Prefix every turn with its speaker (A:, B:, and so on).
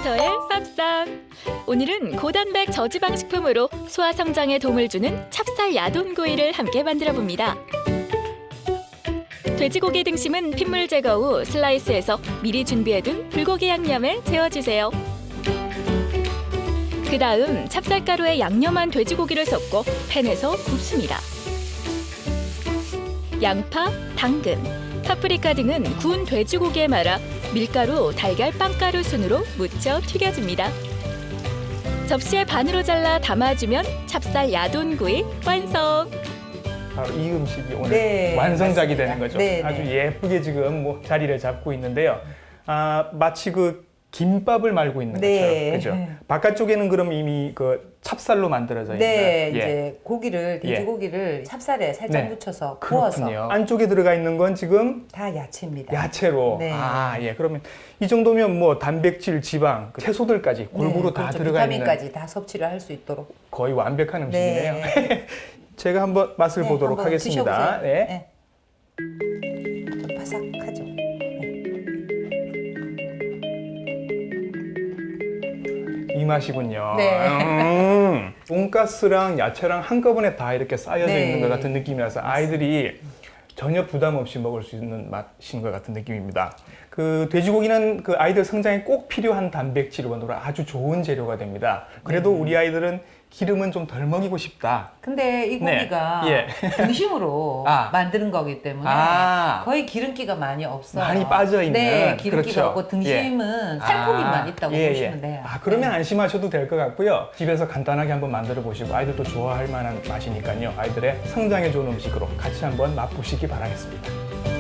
A: 버터의 쌉쌉. 오늘은 고단백 저지방 식품으로 소화 성장에 도움을 주는 찹쌀 야돈구이를 함께 만들어 봅니다. 돼지고기 등심은 핏물 제거 후 슬라이스해서 미리 준비해둔 불고기 양념에 재워주세요. 그 다음 찹쌀가루에 양념한 돼지고기를 섞고 팬에서 굽습니다. 양파, 당근, 파프리카 등은 구운 돼지고기에 말아 밀가루, 달걀, 빵가루 순으로 묻혀 튀겨줍니다. 접시에 반으로 잘라 담아주면 찹쌀 야돈구이 완성!
B: 바로 이 음식이 오늘 완성작이
C: 맞습니다.
B: 되는 거죠.
C: 네,
B: 아주
C: 네.
B: 예쁘게 지금 뭐 자리를 잡고 있는데요. 마치 그 김밥을 말고 있는
C: 네.
B: 것처럼, 그죠? 바깥쪽에는 그럼 이미 그 찹쌀로 만들어져 있는.
C: 네,
B: 예.
C: 이제 고기를 돼지고기를 찹쌀에 살짝
B: 네.
C: 묻혀서
B: 그렇군요.
C: 구워서
B: 안쪽에 들어가 있는 건 지금
C: 다 야채입니다.
B: 야채로.
C: 네.
B: 예. 그러면 이 정도면 뭐 단백질, 지방, 그 채소들까지 골고루 다
C: 그렇죠.
B: 들어가 있는
C: 비타민까지 다 섭취를 할 수 있도록.
B: 거의 완벽한 음식이네요.
C: 네.
B: 제가 한번 맛을
C: 네,
B: 보도록
C: 한번
B: 하겠습니다.
C: 드셔보세요.
B: 네.
C: 네. 바삭하죠.
B: 이 맛이군요.
C: 네.
B: 돈가스랑 야채랑 한꺼번에 다 이렇게 쌓여져
C: 네.
B: 있는 것 같은 느낌이라서 아이들이 전혀 부담 없이 먹을 수 있는 맛인 것 같은 느낌입니다. 그 돼지고기는 그 아이들 성장에 꼭 필요한 단백질 원으로 아주 좋은 재료가 됩니다. 그래도 우리 아이들은 기름은 좀 덜 먹이고 싶다.
C: 근데 이
B: 네.
C: 고기가
B: 예.
C: 등심으로 만드는 거기 때문에 거의 기름기가 많이 없어요.
B: 많이 빠져 있는.
C: 네, 기름기가
B: 그렇죠.
C: 없고 등심은 살코기만 있다고 보시면 돼요.
B: 그러면 안심하셔도 될 것 같고요. 집에서 간단하게 한번 만들어 보시고 아이들도 좋아할 만한 맛이니까요. 아이들의 성장에 좋은 음식으로 같이 한번 맛보시기 바라겠습니다.